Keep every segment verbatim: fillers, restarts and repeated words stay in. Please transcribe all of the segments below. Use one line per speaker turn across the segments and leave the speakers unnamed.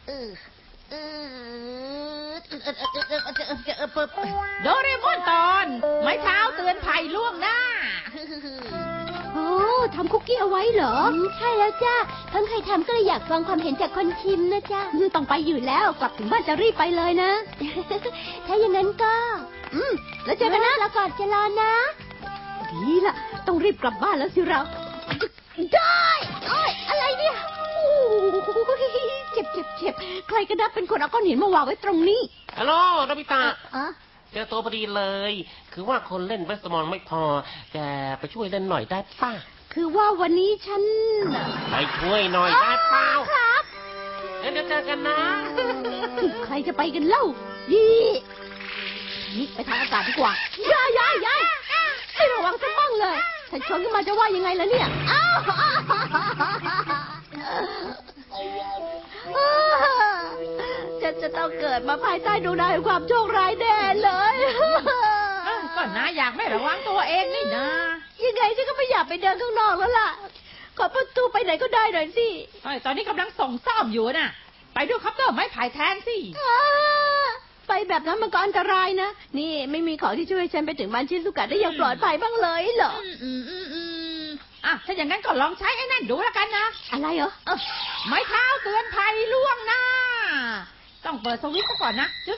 โดเรมอนตอนไม้เท้าเตือนภัยล่วงหน้า
โอ้ทำคุกกี้เอาไว้เหรอใช่แล้วจ้าเพิ่งเคยทำก็เลยอยากฟังความเห็นจากคนชิมนะจ้าต้องไปอยู่แล้วกลับถึงบ้านจะรีบไปเลยนะถ้าอย่างนั้นก็อืมแล้วเจอกันนะแล้วก่อนจะรอนะดีละต้องรีบกลับบ้านแล้วสิเราได้โอ้ยอะไรเนี่ยโอ้เจ็บเจ็บเจ็บใครก็ได้เป็นคนเอาก้อนหินมาวางไว้ตรงนี้
ฮัลโหลโนบิตะเจอตัวพอดีเลยคือว่าคนเล่นเวสมอนไม่พอแกไปช่วยเล่นหน่อยได้ป่ะ
คือว่าวันนี้ฉัน
ไปช่วยหน่อยได้ป่ะ
ครับ
เดี๋ยวเจอกันนะ
ใครจะไปกันเล่ายี่นี่ไปทางอากาศดีกว่าย้ายย้ายย้ายให้ระวังสักบ้างเลยถ้าชนขึ้นมาจะว่ายังไงล่ะเนี่ยอ้าวจะจะต้องเกิดมาภายใต้ดวงดาวแห่งความโชคร้ายแน่เลย
ก็นะอยากไม่ระวังตัวเองนี่นะ
ยังไงฉันก็ไม่อยากไปเดินข้างนอกแล้วล่ะขอประตูไปไหนก็ได้หน่อยสิ
ตอนนี้กำลังส่งซ่อมอยู่น่ะไปดูคัพเตอร์ไม้ไผ่แทนสิ
ไปแบบนั้นมันก็อันตรายนะนี่ไม่มีของที่ช่วยฉันไปถึงบ้านชิซุกะได้อย่างปลอดภัยบ้างเลยเหรอ
อืมอืมอืมอ่ะถ้าอย่างนั้นก็ลองใช้ไอ้นั่นดูแล้วกันนะ
อะไรเหรอ
ไม้เท้าเตือนภัยล่วงหน้าต้องเปิดสวิตช์ก่อนนะจึ๊ก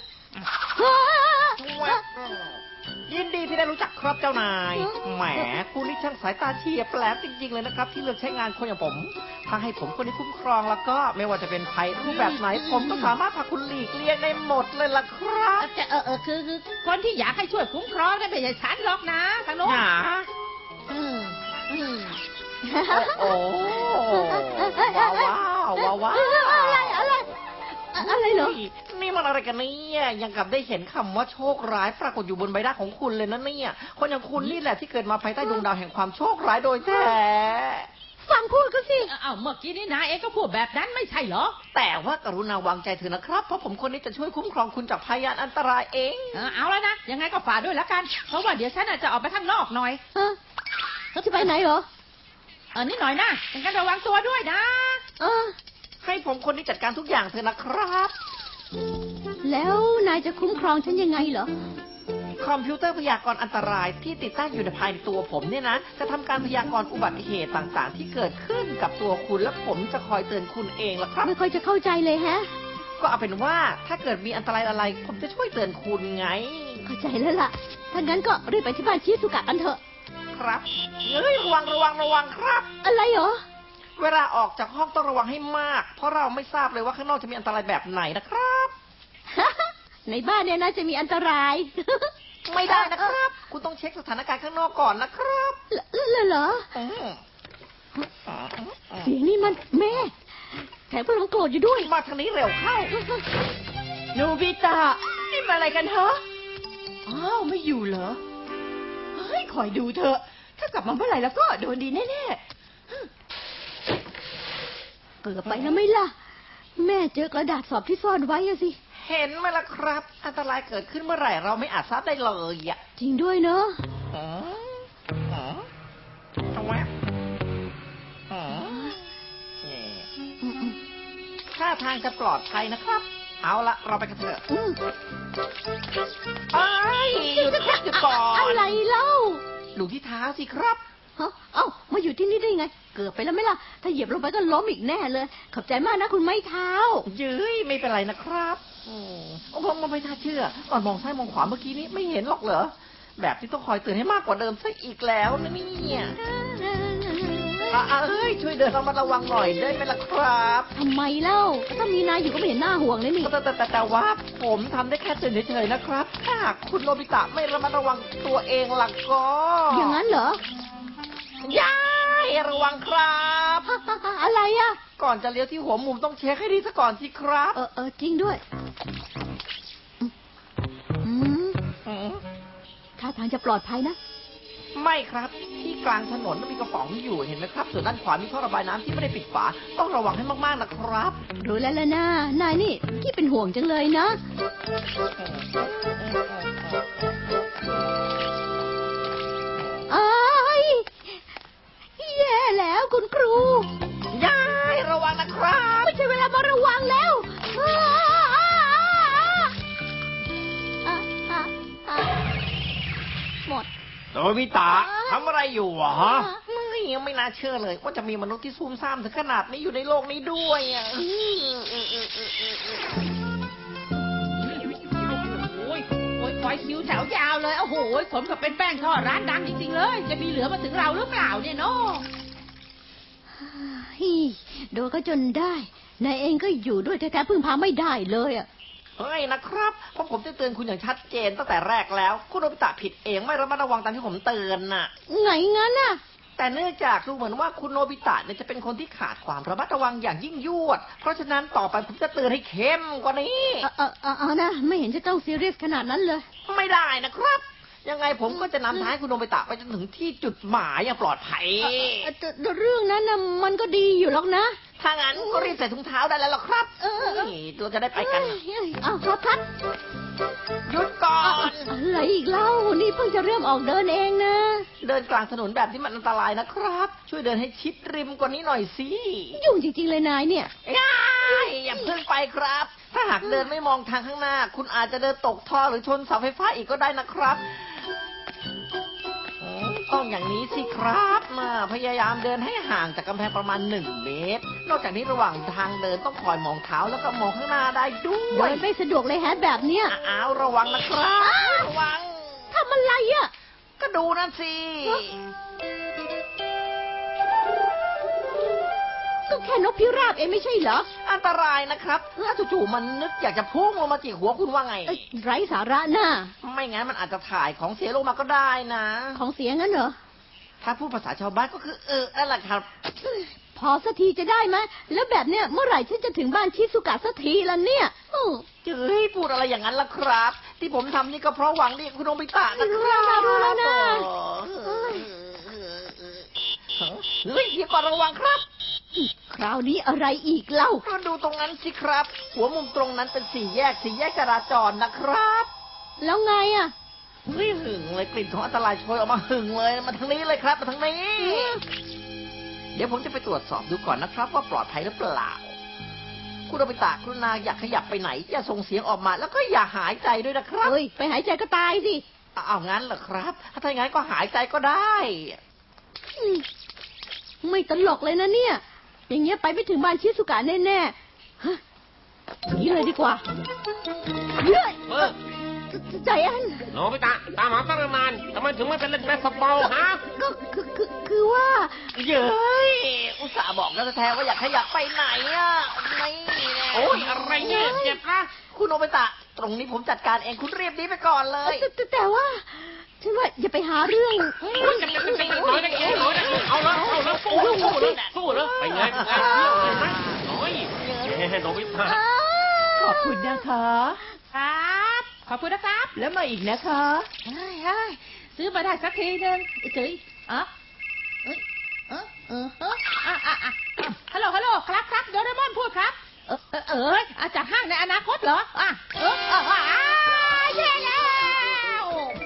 ยินดีที่ได้รู้จักครับเจ้านายแหมคุณนี่ช่างสายตาเฉียบแหลมจริงๆเลยนะครับที่เลือกใช้งานคนอย่างผมถ้าให้ผมคนนี้คุ้มครองแล้วก็ไม่ว่าจะเป็นภัยรูปแบบไหนผมก็สามารถพาคุณหลีกเลี่ยงได้หมดเลยล่ะครับ
จะเออเออคือคือคนที่อยากให้ช่วยคุ้มครองนั่นไม่ใช่ฉันหรอกนะทางโน้น
อืมอืมโอ้ว้าวว้าวว้าว
อะไรอะไรอะไรเหรอ
นี่มันอะไรกันเนี่ยยังกับได้เห็นคำว่าโชคร้ายปรากฏอยู่บนใบหน้าของคุณเลยนะเนี่ยคนอย่างคุณนี่แหละที่เกิดมาภายใต้ดวงดาวแห่งความโชคร้ายโดยแท้
ฟังพูดก็สิ
อ้าวเมื่อกี้นี่นายเองก็พูดแบบนั้นไม่ใช่เหรอ
แต่ว่ากรุณาวางใจเถอะนะครับเพราะผมคนนี้จะช่วยคุ้มครองคุณจากพยานอันตรายเอง
เอาแล้วนะยังไงก็ฝากด้วยละกันเพราะว่าเดี๋ยวฉันจะออกไปข้างนอกหน่อย
เออเขาจะไปไหนเหรอ
เออนิดหน่อยนะยังกันระวังตัวด้วยนะ
เออ
ให้ผมคนนี้จัดการทุกอย่างเถอะนะครับ
แล้วนายจะคุ้มครองฉันยังไงเหรอ
คอมพิวเตอร์พยากรณ์อันตรายที่ติดตั้งอยู่ในภายในตัวผมเนี่ยนะจะทำการพยากรณ์อุบัติเหตุต่างๆที่เกิดขึ้นกับตัวคุณและผมจะคอยเตือนคุณเองล่ะครับ
ไม่ค่อยจะเข้าใจเลยฮะ
ก็เอาเป็นว่าถ้าเกิดมีอันตรายอะไรผมจะช่วยเตือนคุณไง
เข้าใจแล้วล่ะถ้างั้นก็รีบไปที่บ้านชิซุกะกันเถอะ
ครับเฮ้ยระวังระวังระวังครับ
อะไรเหรอ
เวลาออกจากห้องต้องระวังให้มากเพราะเราไม่ทราบเลยว่าข้างนอกจะมีอันตรายแบบไหนนะครับ
ในบ้านเนี่ยน่าจะมีอันตราย
ไม่ได้นะครับคุณต้องเช็คสถานการณ์ข้างนอกก่อนนะครับ
เหรอเสียงนี่มันแม่แถมกำลังโกรธอยู่ด้วย
มาทางนี้เร็วเข้า
โนบิตะนี่มาอะไรกันเหรออ้าวไม่อยู่เหรอเฮ้ยคอยดูเถอะถ้ากลับมาเมื่อไหร่แล้วก็โดนดีแน่ๆ
เกือบไปแล้วไม่ล่ะแม่เจอกระดาษสอบที่ซ่อนไว้อะสิ
เห็นไหมล่ะครับอันตรายเกิดขึ้นเมื่อไหร่เราไม่อาจทราบได้เลยอ่ะ
จริงด้วยเนอะ
อ๋ออ๋อทำไมอ๋อท่าทางจะปลอดภัยนะครับเอาละเราไปกันเถอะไอ้หยุดหยุดก่อน
อะไรเล่า
ดูที่เท้าสิครับ
เอ้ามาอยู่ที่นี่ได้ไงเกือบไปแล้วไหมล่ะถ้าเหยียบลงไปก็ล้มอีกแน่เลยขอบใจมากนะคุณไม้เท้า
เย้ยไม่เป็นไรนะครับโอ้ผมไม่น่าเชื่อตอนมองซ้ายมองขวาเมื่อกี้นี้ไม่เห็นหรอกเหรอแบบที่ต้องคอยเตือนให้มากกว่าเดิมซะอีกแล้วนะเนี่ยเอ้ยช่วยเดินระมัดระวังหน่อยได้ไหมล่ะครับ
ทำไมเล่าถ้ามีนายอยู่ก็ไม่เห็นหน้าห่วงเลยนี่
แต่แต่แต่ว่าผมทำได้แค่เตือนเฉยๆนะครับถ้าคุณโนบิตะไม่ระมัดระวังตัวเองล่ะก็
อย่างนั้นเหร
อยายระวังครับ
อะไรอ่ะ
ก่อนจะเลี้ยวที่หัวมุมต้องเช็คให้ดีซะก่อนสิครับ
เออเออจริงด้วยท่าทางจะปลอดภัยนะ
ไม่ครับที่กลางถนนมีกระป๋องอยู่เห็นไหมครับส่วนด้านขวามีท่อระบายน้ำที่ไม่ได้ปิดฝาต้องระวังให้มากๆนะครับ
รู้แล้วล่ะนะนายนี่ที่เป็นห่วงจังเลยนะอ้ายแย่แล้วคุณครู
ยายระวังนะครับ
ไม่ใช่เวลามาระวังแล้ว
เโนบิตะทำอะไรอยู่วะยังไม่น่าเชื่อเลยว่าจะมีมนุษย์ที่ซุ่มซ่ามถึงขนาดนี้อยู่ในโลกนี้ด้วยอ่ะ
โอ้ยโอ้ยคอยคิวแถวยาวเลยโอ้โหสมกับเป็นแป้งทอดร้านดังจริงๆเลยจะมีเหลือมาถึงเราหรือเปล่าเนี่ยเนาะ
ฮีโดนก็จนได้นายเองก็อยู่ด้วยแท้ๆพึ่งพาไม่ได้เลยอ่ะ
เฮ้ยนะครับเพราะผมจะเตือนคุณอย่างชัดเจนตั้งแต่แรกแล้วคุณโนบิตะผิดเองไม่ระมัดระวังตามที่ผมเตือนน่ะ
ไงงั้นน่ะ
แต่เนื่องจากดูเหมือนว่าคุณโนบิตะเนี่ยจะเป็นคนที่ขาดความระมัดระวังอย่างยิ่งยวดเพราะฉะนั้นต่อไปผมจะเตือนให้เข้มกว่านี้
เออเออเออนะไม่เห็นจะต้องซีเรียสขนาดนั้นเลย
ไม่ได้นะครับยังไงผมก็จะนำท้ายคุณโนบิตะไปจนถึงที่จุดหมายอย่างปลอดภัย
แต่เรื่องนั้นน่ะมันก็ดีอยู่หรอกนะ
ถ้างั้นก็รีบใส่ถุงเท้าได้แล้วหรอครับนี่เราจะได้ไปกัน
อ้าวครับครับ
หยุดก่อน
อะไรอีกเล่านี่เพิ่งจะเริ่มออกเดินเองนะ
เดินกลางถนนแบบที่มันอันตรายนะครับช่วยเดินให้ชิดริมกว่านี้หน่อยสิ
ยุ่งจริงๆเลยนายเนี่ย
อย่าเพิ่งไปครับถ้าหากเดินไม่มองทางข้างหน้าคุณอาจจะเดินตกท่อหรือชนเสาไฟฟ้าอีกก็ได้นะครับต้องอย่างนี้สิครับมาพยายามเดินให้ห่างจากกำแพงประมาณหนึ่งเมตรนอกจากนี้ระหว่างทางเดินต้องคอยมองเท้าแล้วก็มองข้างหน้าได้ด้วย
เดินไม่สะดวกเลยฮะแบบเนี้ย
อ้าวระวังนะครับระวัง
ทำอะไรอ่ะ
ก็ดูนั่นสิ
ก็แค่นกพิราบเองไม่ใช่เหรอ
อันตรายนะครับถ้าจู่ๆมันนึกอยากจะพุ่งลงมาจิกหัวคุณว่าไง
ไร้สาระน่ะ
ไม่งั้นมันอาจจะถ่ายของเสียลงมาก็ได้นะ
ของเสียงั้นเหรอ
ถ้าพูดภาษาชาวบ้านก็คือเออนั่นแหละครับ
พอสักทีจะได้ไหมแล้วแบบเนี้ยเมื่อไหร่ฉันจะถึงบ้านชิซุกะสักทีล่ะเนี่ย
จะให้พูดอะไรอย่างนั้นล่ะครับที่ผมทำนี่ก็เพราะหวังดีคุณโนบิตะนะครับ
รู้แล้วนะ
เฮ้ยอย่าก่อนระวังครับ
คราวนี้อะไรอีกเล่า
ก็ดูตรงนั้นสิครับหัวมุมตรงนั้นเป็นสี่แยกสี่แยกจราจรนะครับ
แล้วไงอ่ะ
เฮ้ยหึงเลยกลิ่นของอันตรายโชยออกมาหึงเลยมาทางนี้เลยครับมาทางนี้เดี๋ยวผมจะไปตรวจสอบดูก่อนนะครับว่าปลอดภัยหรือเปล่าคุณโนบิตะกรุณาอยากขยับไปไหนอย่าส่งเสียงออกมาแล้วก็อย่าหายใจด้วยนะครับ
เฮ้ยไปหายใจก็ตายสิ
เอางั้นเหรอครับถ้าอย่างนั้นก็หายใจก็ได้
ไม่ตลกเลยนะเนี่ยอย่างเงี้ยไปไม่ถึงบ้านชิซุกะแน่ๆฮะนี่เลยดีกว่าเฮ้ยใจอัน
โนบิตะตามหาตั้งนานทำไมถึงไม่เป็นเล่นแบสบอลฮะ
ก็คือคือคือว่า
เย้ยอุตส่าห์บอกแล้วแท้ๆว่าอยากขยับไปไหนอ่ะไม่
โอ้ยอะไรเนี่ยเจ็บนะ
คุณโนบิตะตรงนี้ผมจัดการเองคุณรีบนี้ไปก่อนเลย
แต่แต่ว่าฉันว่าอย่าไปหาเรื่อง
จะจะจะน้อยได้เองน้อยได้เอาละเอาละสู้สู้เลยสู้เลยไปไงไปไงเที่ยวเลยไหมน้อยโนบิตะ
ขอบคุณนะคะครับขอบคุณนะครับแล้วมาอีกนะคะเฮ้ยเฮ้ยซื้อมาได้สักทีนึงเจ๋ยอ๋อเอ้ยเออเออเอออ่ะอ่ะอ่ะฮัลโหลฮัลโหลครับครับโดเรมอนพูดครับเออเออเออจากห้างในอนาคตเหรออ่ะเออเอออ่าแย่แล้ว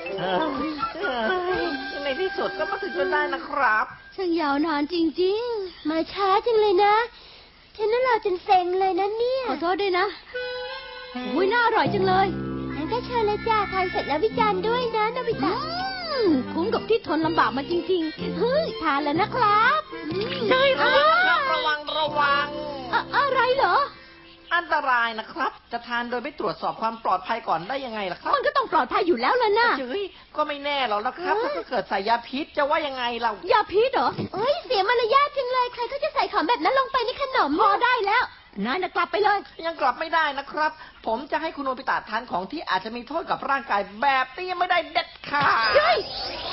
ในที่สุดก็มาถึงจนได้นะครับ
ช่างยาวนานจริงๆมาช้าจังเลยนะฉันน่ารอจนเซ็งเลยนะเนี่ยขอโทษด้วยนะอุ้ยน่าอร่อยจังเลยงั้นก็เชิญเลยจ้าทานเสร็จแล้ววิจารณ์ด้วยนะโนบิตะคุ้มกับที่ทนลำบากมาจริงๆเฮ้ยทานแล้วนะครับ
ใช่ระวังครับระวังระวัง
อะไรเหรอ
อันตรายนะครับจะทานโดยไม่ตรวจสอบความปลอดภัยก่อนได้ยังไงล่ะครับ
มันก็ต้องปลอดภัยอยู่แล้วล่ะนะ
เฮ้ยก็ไม่แน่หรอกนะครับถ้าเกิดใส่ยาพิษจะว่ายังไงเรา
ยาพิษเหรอเอ้ยเสียมารยาทจังเลยใครเขาจะใส่ของแบบนั้นลงไปในขนมพอได้แล้วนายกลับไปเลย
ยังกลับไม่ได้นะครับผมจะให้คุณโนบิตะทานของที่อาจจะมีโทษกับร่างกายแบบนี้ไม่ได้เด็ดขาด
เฮ้ย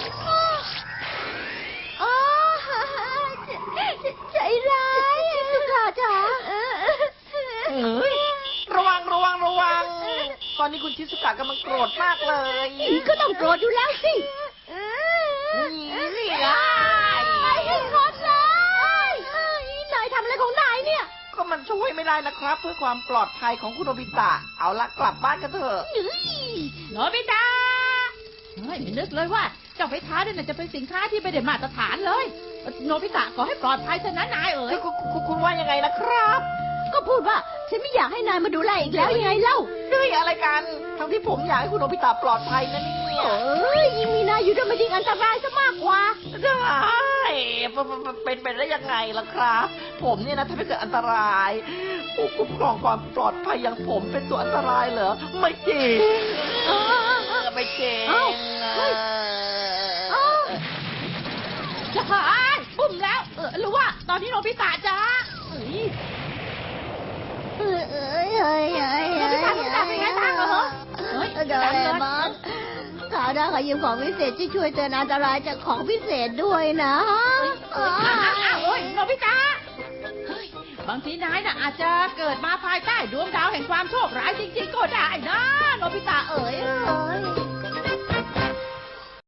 อ๋อใจร้ายสุขาจ๋า
เฮ้ยระวังระวังระวังตอนนี้คุณชิซุกะกำลังโกรธมากเลย
ก็ต้องโกรธอยู่แล้วสิ
นี่ไง
ไอ้คนเลยนายทำอะไรของนายเนี่ย
ก็มันช่วยไม่ได้นะครับเพื่อความปลอดภัยของคุณโนบิตะเอาละกลับบ้านกันเถอะ
โนบิตะไม่นึกเลยว่าเจ้าไฟท้าเนี่ยจะเป็นสินค้าที่ไม่ได้มาตรฐานเลยโนบิตะขอให้ปลอดภัยเถอะนะนายเอ๋ย
คุณว่ายังไงนะครับ
ก็พูดว่าฉันไม่อยากให้นายมาดูแลอีกแล้วยังไงเล่า
ด้วยอะไรกันทั้งที่ผมอยากให้คุณโนบิตะปลอดภัยนะเนี่ย
โอ้ยยิ่งมีนายอยู่ด้วยมันยิ่งอันตรายซะมากกว่า
ได้เป็นไปได้ยังไงล่ะครับ ผมเนี่ยนะถ้าไม่เกิดอันตรายผู้คุ้มครองความปลอดภัยอย่างผมเป็นตัวอันตรายเหรอไม่จริงไม่จริง
เอ้าเฮ้ยเอ้า
จะหายปุ่มแล้วเออหรือว่าตอนนี้โนบิตะจ้าเอ้ย
เอ้ยเอ้ยเอ้ยเอ้ย
โนบิตะโนบิตะเป็นไงบ้างเหรอเฮ้ย
โดเรมอนข่าวหน้าขอยืมของพิเศษที่ช่วยเตือนอันตรายจากของพิเศษด้วยนะ
เอ้ยอ้าวอ้าวเอ้ยโนบิตะเฮ้ยบางทีนายน่ะอาจจะเกิดมาภายใต้ดวงดาวแห่งความโชคร้ายจริงๆก็ได้นะโนบิตะเอ๋ย
เอ้ย